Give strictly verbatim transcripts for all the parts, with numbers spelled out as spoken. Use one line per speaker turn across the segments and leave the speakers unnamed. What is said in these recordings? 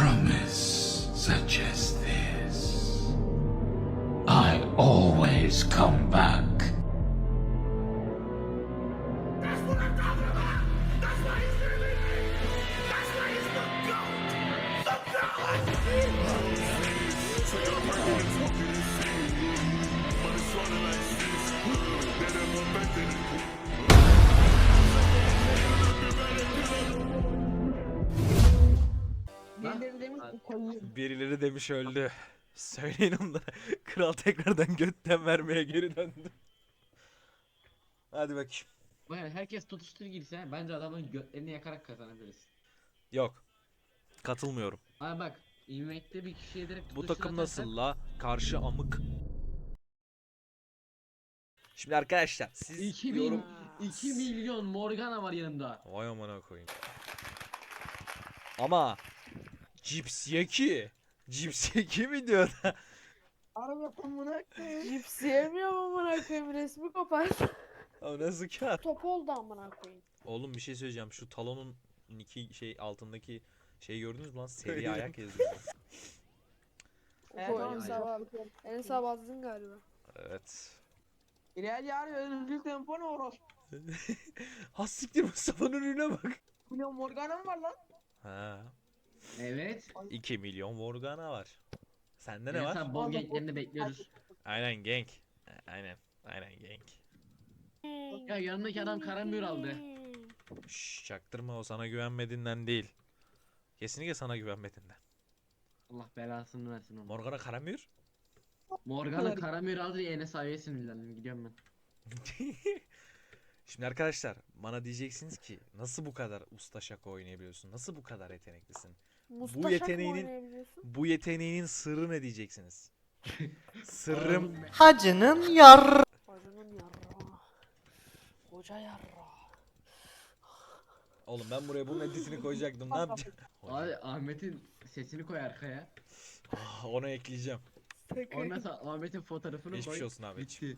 promise such as this, I always come back.
That's what I'm talking about! That's why he's really me! That's why he's the GOAT! The GOAT! So y'all breaking this fucking insane. But it's running like this. Then I'm a method.
Birileri demiş ki koyayım.
Birileri demiş öldü. Söyleyin onlara. Kral tekrardan götten vermeye geri döndü. Hadi bakayım.
Yani herkes tutuştur girse bence adamın götlerini yakarak kazanabiliriz.
Yok. Katılmıyorum.
Abi bak, Invade'de bir kişiye direkt
Bu
tutuştur
takım
atarsak-
nasıl la? Karşı amık. Şimdi arkadaşlar siz
iki bin,
yorum...
iki milyon Morgana var yanımda.
Vay amına koyayım. Ama Cips Yeki. Cips Yeki mi diyor da?
Araba amına koyayım.
Cips yemiyorum amına koyayım, resmi kopar.
O nasıl kağıt?
Top oldu amına koyayım.
Oğlum bir şey söyleyeceğim. Şu talonun iki şey altındaki şeyi gördünüz mü lan? Seri ayak yazıyor.
Evet,
Bu
tamam,
Ensar
tamam.
abi. Ensar bazdın galiba.
Evet.
İleride yarı özgür tempo ne oros?
Ha siktir, Mustafa'nın ürüne bak.
Milyon Morgana mı var lan?
Ha.
Evet.
iki milyon Morgana var. Sende ne
Evet
var?
abi, bol ganklerini bekliyoruz.
Aynen gank. Aynen. Aynen gank.
Ya yanındaki adam karamür aldı.
Şşş, çaktırma, o sana güvenmediğinden değil. Kesinlikle sana güvenmediğinden.
Allah belasını versin onu.
Morgana karamür.
Morgana karamür aldı ya, Enes abiye sinirlendim, gidiyorum ben.
Şimdi arkadaşlar bana diyeceksiniz ki nasıl bu kadar usta şaka oynayabiliyorsun? Nasıl bu kadar yeteneklisin?
Mustaşak
yeteneğinin-
mı oynayabiliyorsun?
Bu yeteneğinin sırrı ne diyeceksiniz? Sırrım
Hacının yar.
Hocanın yarra. Hoca yarra.
Oğlum ben buraya bunun editini koyacaktım. Ne yapacağım?
Abi Ahmet'in sesini koy arkaya.
Ah, onu ekleyeceğim.
Ondan sonra Ahmet'in fotoğrafını koy.
Geçmiş olsun abi.
Bitti.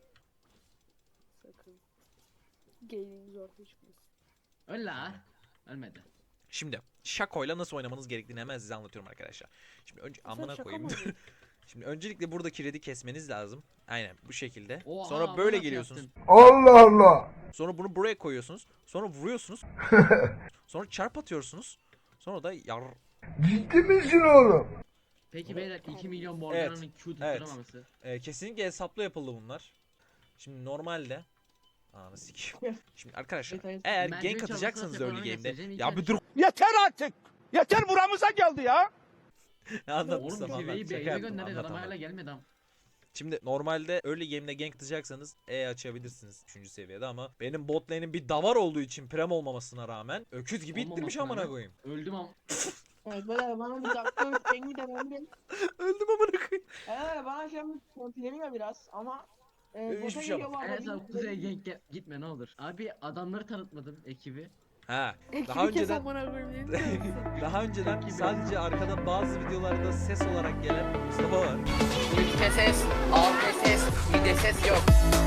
Sakın. Gaming zor çıkmasın.
Öl la. Ölmedi.
Şimdi şakoyla nasıl oynamanız gerektiğini hemen size anlatıyorum arkadaşlar. Şimdi önce amına
şaka
koyayım.
mı
dur. Şimdi öncelikle buradaki red'i kesmeniz lazım. Aynen bu şekilde.
Oha,
Sonra
bunu
böyle
nasıl
geliyorsunuz.
yaptın?
Allah Allah.
Sonra bunu buraya koyuyorsunuz. Sonra vuruyorsunuz. Sonra çarp atıyorsunuz. Sonra da yar.
Ciddi misin oğlum?
Peki beyler, iki milyon Morgana'nın Q tutturamaması.
Ee, kesinlikle hesaplı yapıldı bunlar. Şimdi normalde Ananı sikeyim. Şimdi arkadaşlar
Detaylı-
eğer
Merdiven
gank atacaksanız
çalışması
early
yapılan
game'de
mesajın
ya
ilk
bir dur
Yeter artık. Yeter buramıza geldi ya.
anlat
Oğlum
Mustafa, anlat.
Kive'yi
Şaka
B'ye
yaptım,
gönderdik,
anlat,
adam
anlat.
hala gelmedi ama.
Şimdi normalde early game'de gank atacaksanız E açabilirsiniz üçüncü seviyede ama benim bot lane'in bir davar olduğu için prem olmamasına rağmen öküz gibi ittirmiş
Olmamasına
amına
rağmen.
koyayım.
Öldüm ama.
Evet böyle bana bir dakika pengi de ben bir.
Öldüm amına koyayım.
Eee bana şey bir kontileniyor biraz ama. E,
Hiçbir
bota
şey
geliyor
yapmaz.
bu arada,
En son
bir-
kuzeye gank ge- gitme ne olur. Abi adamları tanıtmadım, ekibi.
Ha,
Ekibi
daha
kes
önceden
amına koyayım. ne diyorsun?
daha önceden sadece arkada bazı videolarda ses olarak gelen Mustafa var.
Ülke ses, algı ses, mide ses yok.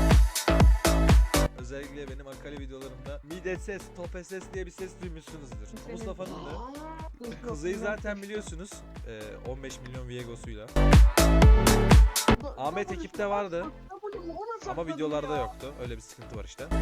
Özellikle benim Akali videolarımda mide ses, tope ses diye bir ses duymuşsunuzdur. Mustafa'nın da Kuzey'i zaten biliyorsunuz eee, on beş milyon Viegos'uyla. Ahmet ekipte vardı ama videolarda yoktu. Öyle bir sıkıntı var işte.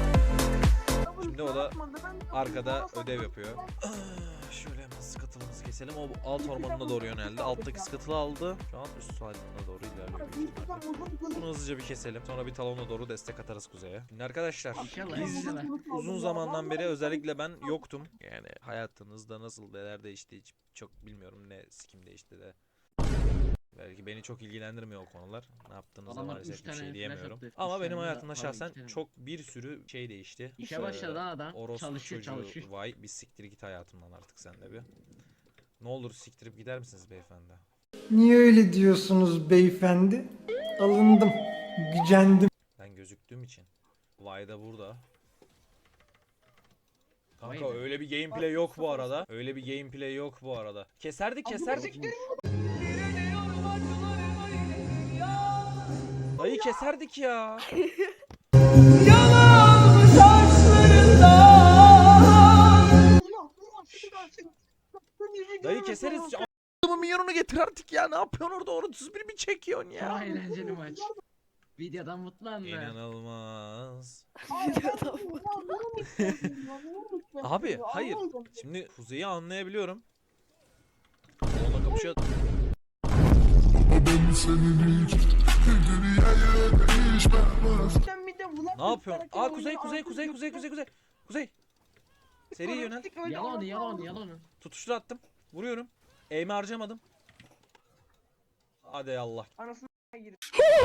Şimdi o da arkada ödev yapıyor. Ah, şöyle hemen skatılımızı keselim. O alt ormanına doğru yöneldi. Alttaki skatılı aldı. Şu an üst haline doğru ilerliyor büyük ihtimalle. Bunu hızlıca bir keselim. Sonra bir talona doğru destek atarız kuzeye. Şimdi arkadaşlar
İnşallah.
biz
inşallah.
uzun zamandan beri özellikle ben yoktum. Yani hayatınızda nasıl neler değişti hiç çok bilmiyorum, ne sikim değişti de. Belki beni çok ilgilendirmiyor o konular. Ne yaptığınızda
Adamlar
maalesef
üç
bir
tane
şey
flash
diyemiyorum.
attı.
Ama
Üç
benim
tane
hayatımda
de-
şahsen
pardon, iki
çok bir sürü şey değişti.
İşe başladı lan adam.
Orospu
Çalışıyor
çocuğu,
çalışıyor.
vay bir siktir git hayatımdan artık sen de bir. Ne olur siktirip gider misiniz beyefendi?
Niye öyle diyorsunuz beyefendi? Alındım, gücendim.
Ben gözüktüğüm için. Vay da burada.
Vay
Kanka
be.
öyle bir gameplay yok bu arada. Öyle bir gameplay yok bu arada. Keserdik keserdik. Dayı keserdik ya. Dayı keseriz. A**ımın milyonunu getir artık ya. Ne yapıyorsun orada? otuz bir mi çekiyorsun
Çok
ya?
eğlenceli maç. Videodan mutlu anlar.
İnanılmaz.
Videodan
Abi hayır. Şimdi Kuzey'i anlayabiliyorum. Onunla kapışıyor. Ne yapıyorsun? Aa kuzey kuzey kuzey kuzey kuzey kuzey. Kuzey. Seri yönel.
Yalan yalan yalan.
Tutuştur attım. Vuruyorum. Eğimi harcamadım. Hadi Allah.
Anasını girdi.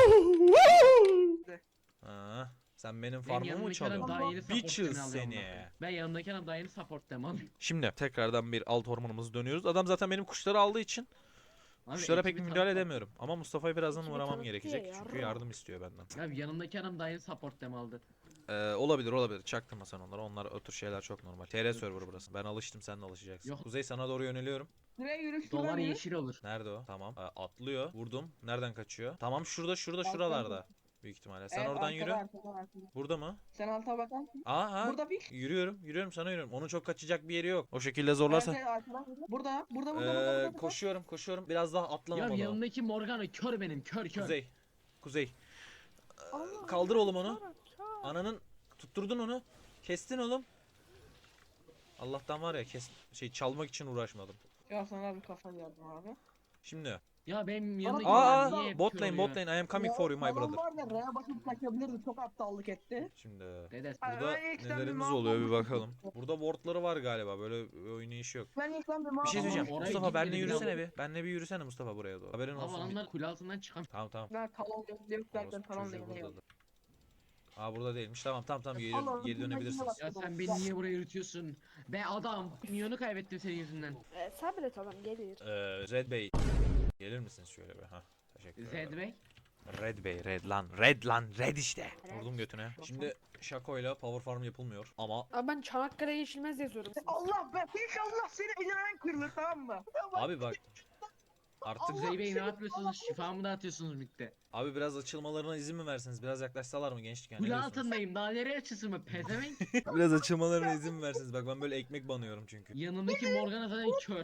Ha, sen benim
Ben
farmımı mı
yanımdaki adam
çalıyorsun?
daha yeni support
Bitches
demini alıyorum
seni.
bak. Ben yanımdaki adam daha yeni support dem alıyorum.
Şimdi tekrardan bir alt ormanımızı dönüyoruz. Adam zaten benim kuşları aldığı için
Abi
kuşlara pek
ekibi
bir müdahale
tanıtma.
edemiyorum. Ama Mustafa'yı birazdan
Ekibi
uğramam
tanıttı
gerekecek.
ya,
Çünkü
yarra.
yardım istiyor benden.
Abi yanımdaki adam daha yeni support dem aldı.
Ee, olabilir olabilir. Çaktırma sen onlara. Onlar o tür şeyler çok normal. T R server burası. Ben alıştım, sen de alışacaksın.
Yok.
Kuzey sana doğru yöneliyorum.
Nereye yürü şuradan
Dolar
yürü.
yeşil olur.
Nerede o? Tamam. Ee, atlıyor. Vurdum. Nereden kaçıyor? Tamam şurada şurada şuralarda. Büyük ihtimalle. Sen
Evet,
oradan
arkada,
yürü.
arkada, arkada.
Burada mı?
Sen alta bakarsın.
Aa ha.
Burada bir.
Yürüyorum. Yürüyorum sana yürüyorum. Onun çok kaçacak bir yeri yok. O şekilde zorlarsan.
Evet, evet, arkadan yürü. Burada, burada, burada, burada,
Ee,
burada.
koşuyorum koşuyorum. Biraz daha
Ya
atlamam o da.
yanımdaki Morgana kör benim kör kör.
Kuzey. Kuzey.
Allah,
Kaldır oğlum onu.
çağır, çağır.
Ananın tutturdun onu. Kestin oğlum. Allah'tan var ya kes şey çalmak için uğraşmadım.
Ya sana bir kafa geldim abi.
Şimdi.
Ya benim yanımdaki
Aa
adam niye hep
bot
kör
lane
oluyor?
bot lane I am coming for you my
Adam
brother.
var ya R'ye basıp kaçabilirdi. Çok aptallık etti.
Şimdi.
Dede.
Ay,
Burada
ben ilk sen bir
nelerimiz
mağdur
oluyor bir
oldum.
bakalım. Burada wardları var galiba. Böyle bir oynayışı yok.
Ben ilk ben bir
Bir şey
mağdur
söyleyeceğim.
Oraya
oldum.
Mustafa benle
gitmedim
yürüsene
ya.
bir. Benle bir yürüsene Mustafa buraya doğru. Haberin
Abi
olsun.
adamlar kule altından çıkan.
Tamam tamam.
Ben talon yok derken
Orospu
talon
çocuğu
değil.
buradadır. Aa burada değilmiş. Tamam tamam tamam geri,
Allah'ım,
geri dönebilirsiniz.
Ya sen beni niye buraya yürütüyorsun? Be adam. Milyonu kaybettim senin yüzünden.
Ee, sabret adam gelir.
Ee, Red Bey. Gelir misiniz şöyle bir? Ha. Teşekkür ederim.
Zed Bey.
Red Bey, Red lan, Red lan, Red işte.
Red.
Vurdum götüne. Şimdi Shaco'yla power farm yapılmıyor ama
Abi ben Çanakkale Yeşilmez yazıyorum.
Allah be inşallah seni elinden kırılır tamam mı?
abi bak artık
Kuzey Bey ne yapıyorsunuz? Şifamı dağıtıyorsunuz midde.
abi biraz açılmalarına izin mi verseniz? Biraz yaklaşsalar mı gençlik yani?
Kule
ne diyorsunuz?
altındayım. Daha nereye açılsın mı? Pezevenk.
Biraz açılmalarına izin mi verseniz? Bak ben böyle ekmek banıyorum çünkü.
Yanındaki Morgana zaten kör.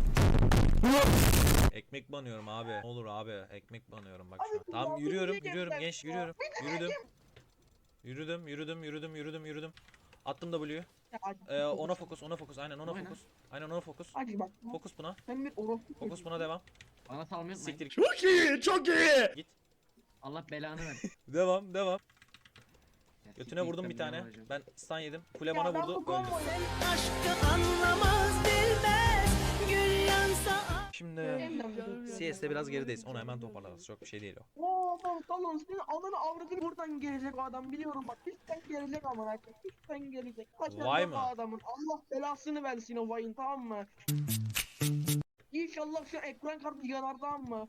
Ekmek banıyorum abi. Ne olur abi ekmek banıyorum bak şu an. Tamam yürüyorum, yürüyorum genç yürüyorum. Yürüdüm. Yürüdüm, yürüdüm, yürüdüm, yürüdüm, yürüdüm. Attım W'yu. Ee, ona fokus, ona fokus. Aynen ona
Oyna.
fokus. Aynen ona fokus.
Hadi bak.
Fokus buna.
Sen bir orospu.
Fokus buna devam.
Bana salmayı unutmayın.
Siktir.
Çok iyi, çok iyi.
Git.
Allah belanı versin.
Devam, devam.
Ya
Götüne
siktir
vurdum
git,
bir
ben
tane.
ne yapacağım?
Ben stun yedim. Kule bana vurdu. Öldüm. Şimdi C S'de biraz gerideyiz. Onu hemen toparlarız. Çok bir şey değil o.
Oo tamam tamam senin ananı avradını buradan gelecek o adam biliyorum bak üstten gelecek ama herkes üstten gelecek. Kaçan
Vay
yok
mı?
o adamın Allah belasını versin o vayın tamam mı? İnşallah şu ekran kartı yanar tamam mı?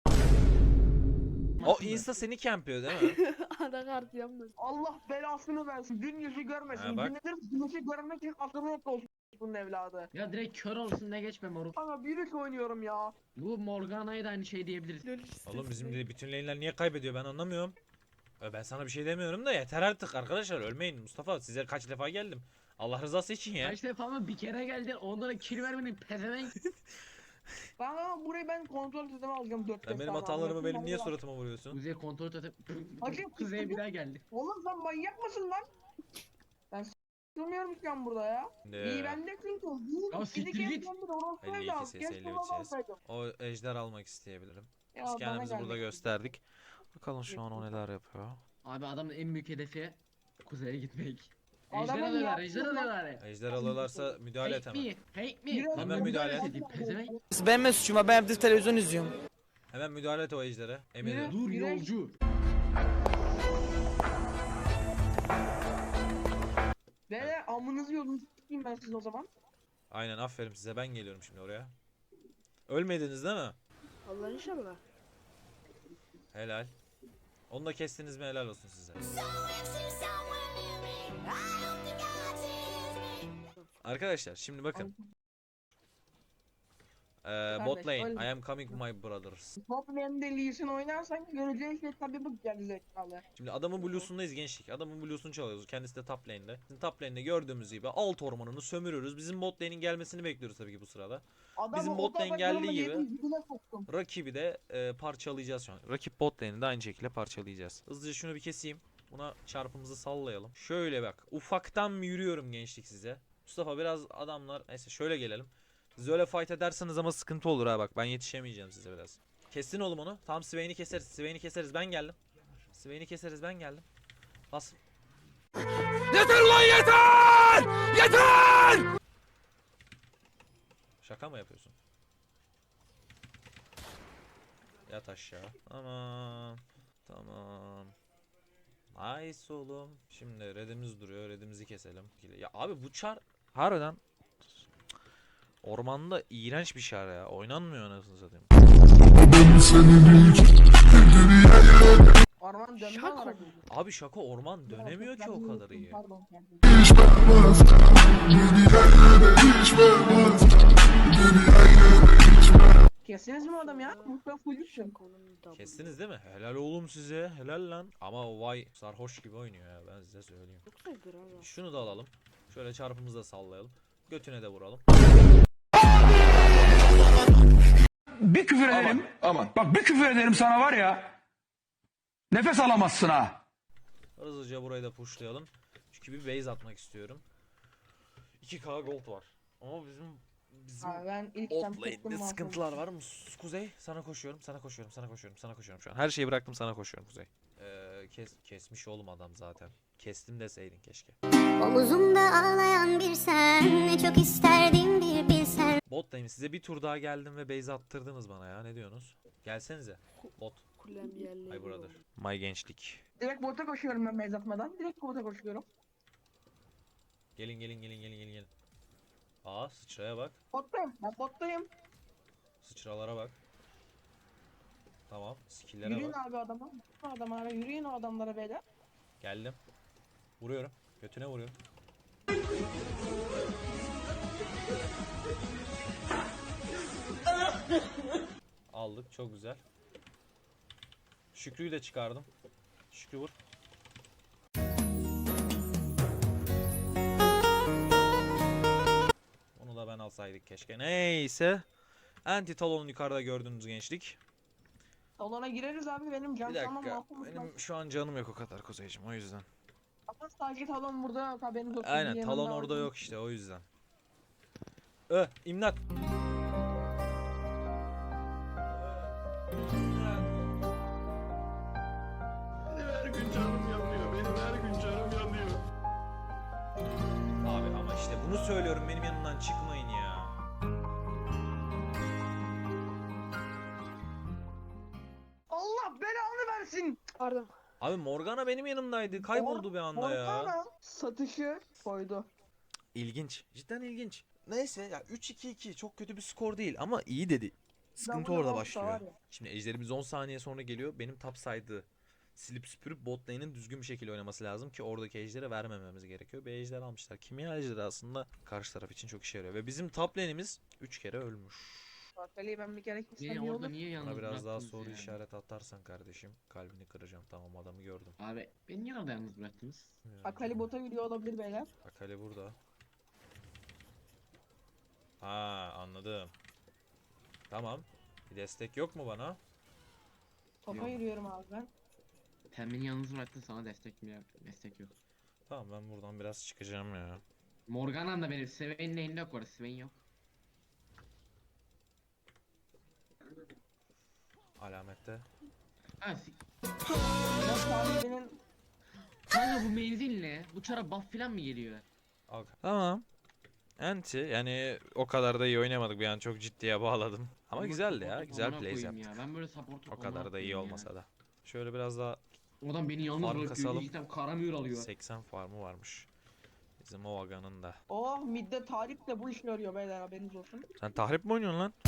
O insta seni campliyor değil mi?
Anakart yanmaz.
Allah belasını versin gün yüzü görmesin.
Ha, bak.
Günedir güneşi görmek için akıllı yok olsun bunun evladı.
Ya direkt kör olsun ne geçme moruk.
Ama bir oynuyorum ya.
Bu Morgana'ya da aynı şey diyebiliriz.
Oğlum bizim de bütün lane'ler niye kaybediyor ben anlamıyorum. Ya ben sana bir şey demiyorum da yeter artık arkadaşlar ölmeyin Mustafa size kaç defa geldim. Allah rızası için ya.
Kaç defa mı bir kere geldin onlara kill vermedin pezevenk.
Ben ama burayı ben kontrol sistemi alacağım dört
Sen benim hatalarımı benim niye suratıma vuruyorsun?
Kuzey kontrol atıp
Hakem
Kuzey bir daha geldi.
Oğlum sen manyak mısın lan? Ben s**tılmıyorum şu an burada ya. İyi
Şimdi
ben de çünkü. İyi,
Ya
bir
siktir
iki
git.
kez ben de orospu
elli iki
evladım.
ses,
Keşke
elli üç
baba
ses.
alsaydım.
O ejder almak isteyebilirim.
Ya
Biz
bana
kendimizi burada
geldi.
gösterdik. Bakalım şu an o neler yapıyor.
Abi adamın en büyük hedefi Kuzey'e gitmek. Ejder
Adamın
alıyorlar,
yaptığı
ejder
lan-
alıyorlar.
Ejder alıyorlarsa müdahale et
Hate
hemen.
me, hate me.
Yürü,
Lan
Hemen
ben
müdahale et.
müdahale edeyim, pezevenk.
Benim ne suçum var? Ben evde televizyon izliyorum.
Hemen müdahale et o ejdere. Emin
Yürü.
ederim.
Dur
Güneş-
yolcu.
Beyler amınızı yolunuzu s**eyim ben sizin o zaman.
Aynen aferin size ben geliyorum şimdi oraya. Ölmediniz değil mi?
Allah inşallah.
Helal. Onu da kestiniz mi helal olsun size. Arkadaşlar şimdi bakın. Ee, bot lane.
öyle.
I am coming my brothers.
Top lane'de Lee Sin oynarsan göreceğin şey tabii bu gerizekalı.
Şimdi adamın blues'undayız gençlik. Adamın blues'unu çalıyoruz. Kendisi de top lane'de. Bizim top lane'de gördüğümüz gibi alt ormanını sömürüyoruz. Bizim bot lane'in gelmesini bekliyoruz tabii ki bu sırada.
Adamı
Bizim
o
bot lane
tarafa
geldiği
gömme
gibi-
yedim, dibine soktum.
Rakibi de e, parçalayacağız şu an. Rakip bot lane'i de aynı şekilde parçalayacağız. Hızlıca şunu bir keseyim. Buna çarpımızı sallayalım. Şöyle bak. Ufaktan mı yürüyorum gençlik size? Mustafa biraz adamlar. Neyse şöyle gelelim. Siz öyle fight ederseniz ama sıkıntı olur ha bak. Ben yetişemeyeceğim size biraz. Kestin oğlum onu. Tamam Swain'i keseriz. Swain'i keseriz. Ben geldim. Swain'i keseriz. Ben geldim. Bas.
Yeter lan yeter! Yeter!
Şaka mı yapıyorsun? Yat aşağı. Tamam. Tamam. Nice oğlum. Şimdi redimiz duruyor. Redimizi keselim. Ya abi bu çar harbiden ormanda iğrenç bir şar ya. Oynanmıyor anasını satayım.
Orman dönme
Şaka
olarak.
mı?
Abi şaka orman dönemiyor ki o kadar iyi.
Pardon. Kestiniz mi adam ya? Mutlaka fullüşüm.
Şakonun double.
Kestiniz değil mi? Helal oğlum size. Helal lan. Ama vay sarhoş gibi oynuyor ya ben size söyleyeyim.
Yoksa gram.
Şunu da alalım. Şöyle çarpımızı da sallayalım. Götüne de vuralım.
Bir küfür ederim. Aman. Bak bir küfür ederim sana var ya. Nefes alamazsın ha.
Hızlıca burayı da pushlayalım. Çünkü bir base atmak istiyorum. iki K gold var. Ama bizim bizim
Abi ben ilk
off
sen
lane'de
tuttum
sıkıntılar var mı? Kuzey sana koşuyorum, sana koşuyorum, sana koşuyorum, sana koşuyorum şu an. Her şeyi bıraktım sana koşuyorum Kuzey. Ee, kes, kesmiş oğlum adam zaten. Kestim deseydin keşke.
Omuzumda ağlayan bir sen, ne çok isterdim bir bilsen.
Bot lane size bir tur daha geldim ve base attırdınız bana ya. Ne diyorsunuz? Gelsenize. Bot.
Kulem yerleri.
My brother. My gençlik.
Direkt bota koşuyorum ben base atmadan. Direkt bota koşuyorum.
Gelin gelin gelin gelin gelin gelin. Aa sıçraya bak.
Bottayım. Ben bottayım.
Sıçralara bak. Tamam. Skill'lere
Yürüyün
bak.
abi adama. Adamlara yürüyün o adamlara beyler.
Geldim. Vuruyorum. Götüne vuruyorum. Aldık. Çok güzel. Şükrü'yü de çıkardım. Şükrü vur. Onu da ben alsaydık keşke. Neyse. Anti talon yukarıda gördüğünüz gençlik.
Salona gireriz abi benim can
Bir
tamam
dakika.
mahvolmuş.
Benim şu an canım yok o kadar Kuzeyciğim o yüzden.
Ama sadece talon burada yok haberiniz olsun.
Aynen
Yanında
talon orada
olsun.
yok işte o yüzden. Ö imdat.
Benim her gün canım yanıyor. Benim her gün canım yanıyor.
Abi ama işte bunu söylüyorum benim yanımdan çıkmayın ya.
Allah belanı versin.
Pardon.
Abi Morgana benim yanımdaydı. Kayboldu bir anda ya.
Morgana satışı koydu.
İlginç. Cidden ilginç. Neyse ya üç iki iki çok kötü bir skor değil ama iyi dedi. Sıkıntı
Double
orada
olsa
başlıyor.
var ya.
Şimdi ejderimiz on saniye sonra geliyor. Benim top side'ı silip süpürüp bot lane'in düzgün bir şekilde oynaması lazım ki oradaki ejderi vermememiz gerekiyor. Bir ejder almışlar. Kimya ejderi aslında karşı taraf için çok işe yarıyor. Ve bizim top lane'imiz üç kere ölmüş.
Bakali'yi ben bir kere kessem
Niye
iyi
orada
olur.
niye yalnız
Bana biraz daha
bıraktınız
soru
ya?
işaret atarsan kardeşim kalbini kıracağım. Tamam adamı gördüm.
Abi beni niye orada yalnız bıraktınız?
Akali bota gidiyor olabilir beyler.
Akali burada. Ha anladım. Tamam. Bir destek yok mu bana?
Topa
Yok.
yürüyorum abi ben.
Sen beni yalnız bıraktın sana destek mi destek yok.
Tamam ben buradan biraz çıkacağım ya.
Morgana'm da benim Swain'in elinde yok orada Swain yok.
Alamette.
Ha si-
Ya sahibinin
Kanka bu menzil ne? Bu çara buff falan mı geliyor?
Al. Tamam. Anti yani o kadar da iyi oynamadık bir an çok ciddiye bağladım. Ama
Ama
güzeldi ya.
support'u
Güzel
amına
plays
koyayım
yaptık.
ya. Ben böyle support'u
O kadar da iyi olmasa da. Şöyle biraz daha
O adam beni yalnız
Farm
bırakıyor.
kasalım.
Cidden karamür alıyor.
seksen farmı varmış. Bizim o Vaga'nın da.
oh midde Tarık de bu işi görüyor beyler haberiniz olsun.
Sen tahrip mi oynuyorsun lan?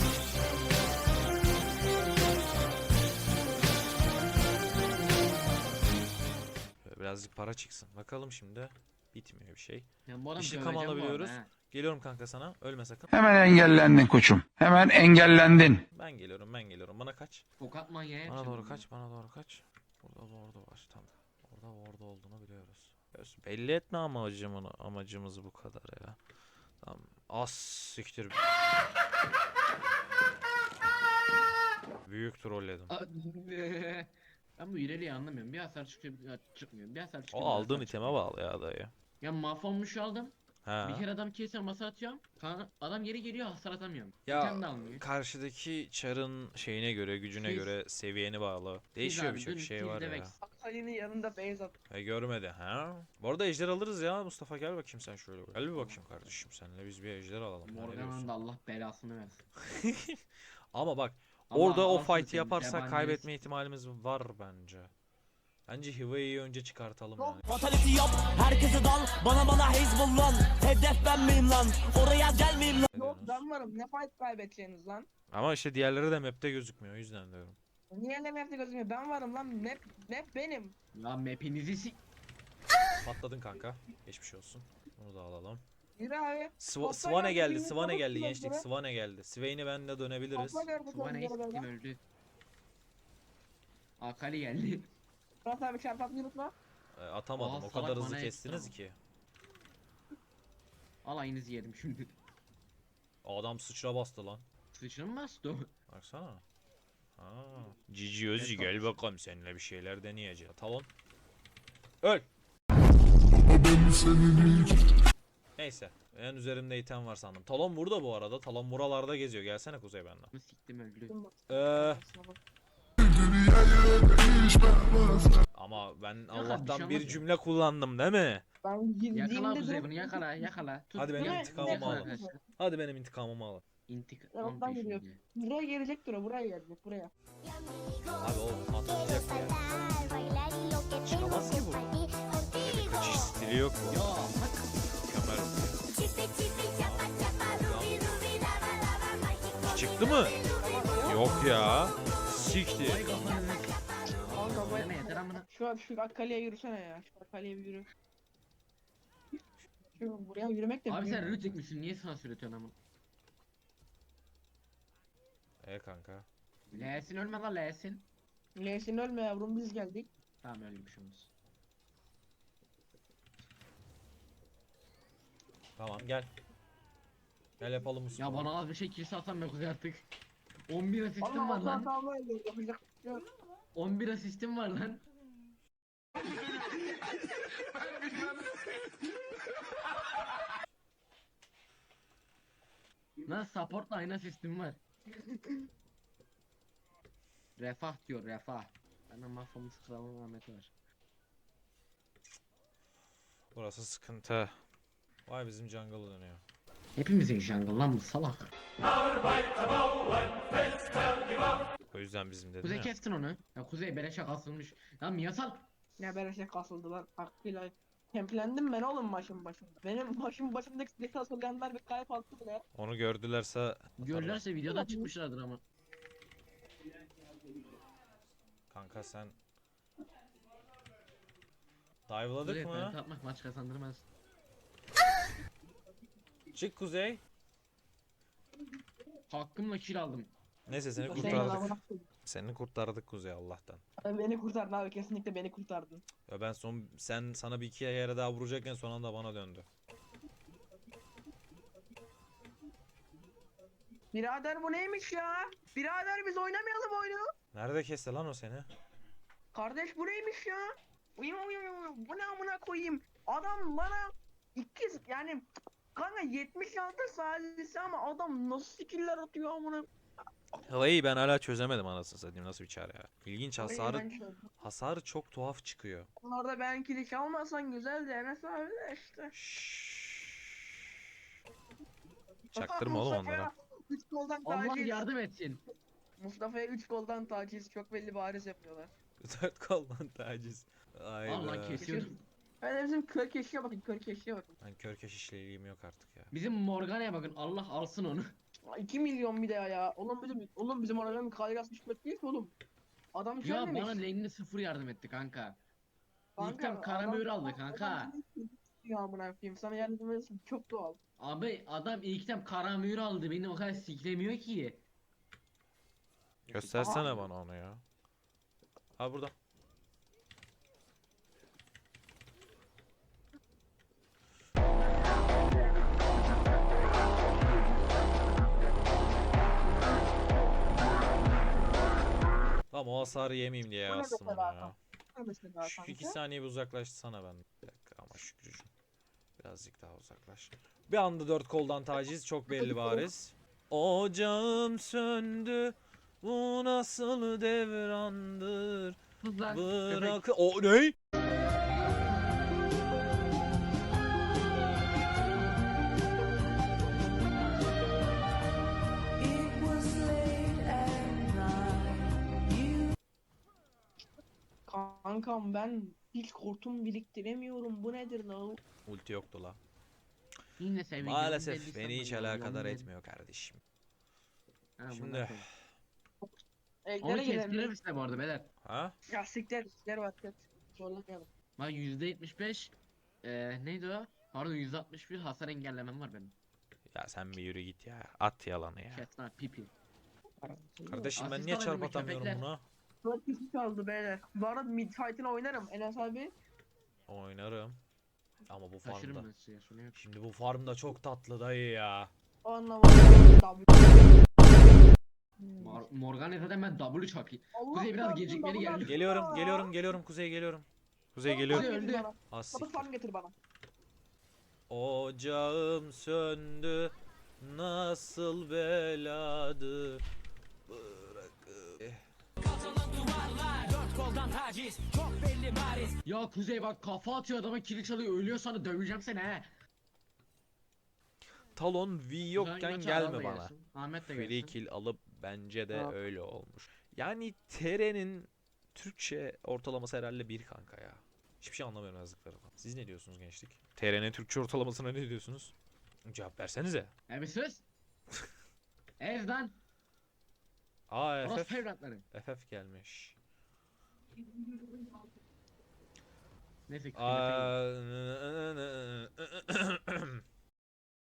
Böyle birazcık para çıksın. Bakalım şimdi. Bitmiyor bir şey.
Ya bu adam
İntikam
döveceğim bu
alabiliyoruz.
arada, he.
Geliyorum kanka sana. Ölme sakın.
Hemen engellendin koçum. Hemen engellendin.
Ben geliyorum ben geliyorum. Bana kaç.
Tokat manyağı
Bana
yapacağım
doğru
bunu.
kaç. Bana doğru kaç. Burada orada var. Tamam. Orada orada olduğunu biliyoruz. Göz- Belli etme amacımını, amacımız bu kadar ya. Tamam. Az siktir. Büyük trolledim.
Aa, Ben bu ileriyi anlamıyorum. Bir hasar çıkıyor, bir hasar çıkmıyor. Bir hasar çıkıyor.
O
bir hasar
aldığın iteme
çıkmıyor.
bağlı ya dayı.
Ya mahvolmuş aldım.
Ha.
Bir kere adam kesiyorum, hasar atıyorum. Ka- Adam geri geliyor, hasar atamıyorum.
Ya,
Bir tane de almıyor.
Karşıdaki çarın şeyine göre, gücüne
Biz-
göre seviyeni bağlı. Değişiyor
abi,
birçok
dün
şey var
Kill'de
ya.
Vex.
Akali'nin yanında base at.
E görmedi ha. Bu arada ejder alırız ya Mustafa, gel bakayım sen şöyle. Gel bir bakayım kardeşim, seninle biz bir ejder alalım. Ne
Morgan'ın
diyorsun?
da Allah belasını versin.
Ama bak
Allah
orada o
alsın
fight'i
seni,
yaparsak
yabancı
kaybetme ihtimalimiz var bence. Bence Hiva'yı önce çıkartalım yani.
Fatality yap, herkese dal. Bana bana Hezbollah. Hedef ben miyim lan? Oraya gelmeyeyim lan.
Ne
Yok
diyorsunuz?
ben varım. Ne fight kaybedeceğiniz lan?
Ama işte diğerleri de map'te gözükmüyor, o yüzden diyorum.
Niye ne map'te gözükmüyor? Ben varım lan. Map, map benim.
Ya map'inizi si...
Patladın kanka. Geçmiş olsun. Bunu da alalım.
Yürü abi.
Sv
Topla
Swane
geldi,
geldi,
birini
Swane
çabuk
geldi
kullan
gençlik,
buraya.
Swane geldi. Swain'i benle dönebiliriz.
Topla gördük
Bana
onu
istim
böyle.
öldü. Akali geldi.
Murat abi çarpatmayı unutma.
E, atamadım,
Aa,
o
salak
kadar hızlı
bana
kestiniz
ekstra.
ki.
Alayınızı yedim şimdi.
Adam sıçra bastı lan.
Sıçra mı bastı o?
Baksana. Ha. Cici Özcü gel bakalım, seninle bir şeyler deneyeceğiz. Talon. Öl. Neyse. En üzerimde item var sandım. Talon burada bu arada. Talon buralarda geziyor. Gelsene Kuzey benden.
Mı siktim öldü.
Eee ama ben Allah'tan
şey
bir
olmaz ya.
cümle kullandım değil mi?
Ben
Yakala
girdiğimde
Kuzey
direkt...
bunu, yakala yakala. Tut.
Hadi benim
Yakala,
intikamımı
yakala
alın.
arkadaşlar.
Hadi benim intikamımı alın.
İntikam
Yanımdan geliyor.
peşinde.
Buraya gelecektir o. Buraya gelecek. Buraya.
Abi o atlayacak ya. Çıkamaz ki bu. Böyle bir kaçış stili yok bu.
Ya bak.
Mükemmel. Çıktı mı? Yok ya. Siktir.
Vay kafanı.
Kanka
Deme
ben...
yeter amına.
Şu an şu Akkale'ye yürüsene ya. Şu Akkale'ye bir yürü. Şu buraya yürümek de
Abi
büyük.
sen rüt çekmişsin, niye sansür ediyorsun amına?
E kanka.
L'sin ölme lan L'sin.
Lesin ölme yavrum biz geldik.
Tamam öyle bir şey olmaz.
Tamam gel. Gel yapalım bu
Ya
sporu.
bana az bir şey kilise atsam be Kuzey artık. on bir asistim var
Allah
lan.
Allah Allah yapacak bir şey yok.
on bir asistim var lan. Lan supportla aynı asistim var. Refah diyor, refah. Bana mahvolmuş kralın rahmeti var.
Burası sıkıntı. Vay bizim jungle dönüyor.
Hepimizin jungle lan bu salak.
O yüzden bizim dedim
Kuzey
ya.
kestin onu. Ya Kuzey beleşe kasılmış. Lan Miyasal.
Ne böyle şey kasıldı lan. Hakkıyla. Templendim ben oğlum başım başımda. Benim başım başımdaki silahı asılganlar bir kalp attı bile.
Onu gördülerse atarlar.
Görürlerse videodan çıkmışlardır ama.
Kanka sen
Kuzey
dive'ladık mı?
penta atmak maç kazandırmaz.
Çık Kuzey.
Hakkımla kill aldım.
Neyse seni
Senin
kurtardık.
amına koyayım.
Seni kurtardık Kuzey Allah'tan.
Beni kurtardın abi kesinlikle beni kurtardın.
Ya ben son sen sana bir iki yere daha vuracakken son anda bana döndü.
Birader bu neymiş ya? Birader biz oynamayalım oyunu.
Nerede kesti lan o seni?
Kardeş bu neymiş ya? Uyum uyum uyum. Bu ne amına koyayım? Adam bana ikiz yani kanka yetmiş altı salisi ama adam nasıl skiller atıyor amına.
Havayı ben hala çözemedim anasını satayım, nasıl bir çare ya. İlginç,
Orayı
hasarı
ben çözdüm.
hasarı çok tuhaf çıkıyor.
Onlarda ben kiliş almasan güzel de Enes abi de işte.
Çaktırma oğlum
Mustafa'ya
onlara.
üç goldan
Allah
taciz.
yardım etsin.
Mustafa'ya üç goldan taciz çok belli bariz yapıyorlar.
Dört koldan taciz. Ay
Allah
be.
kesiyordum.
Ben de bizim kör keşiye bakın kör keşiye bakın.
Ben kör keşişliliğim yok artık ya.
Bizim Morgana'ya bakın, Allah alsın onu.
iki milyon bir de ya. Oğlum bizim oğlum bizim oraların kalgas düşmek değil ki oğlum. Adam şey
Ya
demiş.
bana lane'de sıfır yardım etti kanka.
Kanka,
İlkem karamür
adam-
aldı kanka.
adam demiş ki, Ya amına koyayım sana yardım edersin çok doğal.
Abi adam ilk tem kara mühür aldı. Beni o kadar siklemiyor ki.
Göstersene bana onu ya. Ha burada. Tamam o hasarı yemeyeyim diye
Bu ne
yazdım onu
mesela
ya.
Ne mesela
Şu iki
kanka?
saniye bir uzaklaşsana ben. Bir dakika ama Şükrücüğüm. Birazcık daha uzaklaş. Bir anda dört koldan taciz çok belli bariz. Ocağım söndü. Bu nasıl devrandır?
Sus lan.
Bırak...
köpek.
O ne?
Kankam ben hiç kurtum biriktiremiyorum. Bu nedir lan?
Ulti yoktu la.
Yine sevgili.
Maalesef beni hiç alakadar etmiyor kardeşim. Şimdi-
Onu
Evlere
kestirir
gidelim.
misin bu arada beyler?
Ha?
Ya siktir siktir var tet. Zorlamayalım.
Bak yüzde yetmiş beş eee neydi o? Pardon yüzde altmış bir hasar engellemem var benim.
Ya sen bir yürü git ya. At yalanı ya.
Kesna pipi.
Kardeşim ben
Asist
niye
alayım
çarp
mı
atamıyorum
köpekler?
buna?
Dört kişi kaldı beyler. Bu arada mid fight'ını oynarım Enes abi.
Oynarım. Ama bu
Taşırım
farmda.
ben size şunu yok.
Şimdi bu farmda çok tatlı dayı ya.
O anlamadım.
Mor Morgana zaten ben W çakayım.
Allah
Kuzey biraz
çarpsın,
gecikmeli
double
geldi.
up.
Geliyorum, geliyorum, geliyorum. Kuzey geliyorum. Kuzey
Double
geliyorum.
farm
Öldü.
getir bana.
Az
Double
siktir.
farm getir bana.
Ocağım söndü. Nasıl beladır. Bırakıp.
Ya Kuzey bak kafa atıyor adama kill çalıyor ölüyor sana döveceğim seni he.
Talon V yokken
Güzel,
gelme
Ahmet de
bana.
gelsin. Ahmet de
Free
gelsin.
kill alıp bence de
Ha.
öyle olmuş. Yani T R'nin Türkçe ortalaması herhalde bir kanka ya. Hiçbir şey anlamıyorum yazdıklarından. Siz ne diyorsunuz gençlik? T R'nin Türkçe ortalamasına ne diyorsunuz? Cevap versenize.
E bir sus. Ez lan.
Aa
Orası
F F.
evlatları.
F F gelmiş.
Neyse
Aa,